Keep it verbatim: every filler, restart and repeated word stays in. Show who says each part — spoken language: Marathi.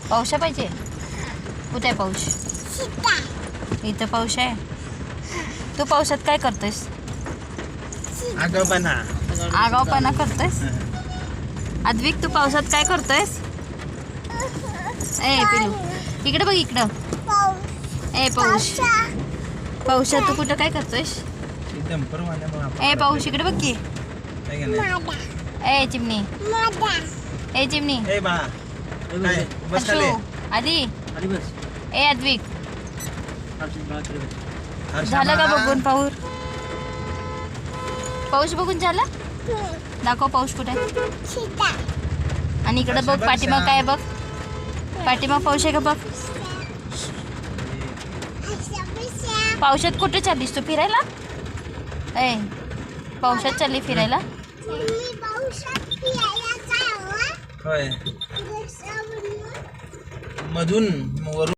Speaker 1: पाऊस पाहिजे. कुठे आहे पाऊस? इथं पाऊस आहे. तू पावसात काय करतोयस?
Speaker 2: आगाऊपणा
Speaker 1: आगाऊपणा करतोयस. अद्विक तू पावसात काय करतोयस? ए पिलू इकडे बघ इकडं. ए पाऊस पावसात तू कुठं काय करतोयस? ए पाऊस इकडे बघ की. ए चिमणी ए चिमणी हर्षू आधी ए अद्विक झालं का बघून पाऊस? पाऊस बघून झाला? दाखव पाऊस कुठे आहे. आणि इकडं बघ पाठीमाग काय बघ. पाठीमाग पाऊस आहे का बघ. पावसात कुठे चाललीस तू फिरायला? ए पावसात चालली फिरायला?
Speaker 2: होय मधून वरून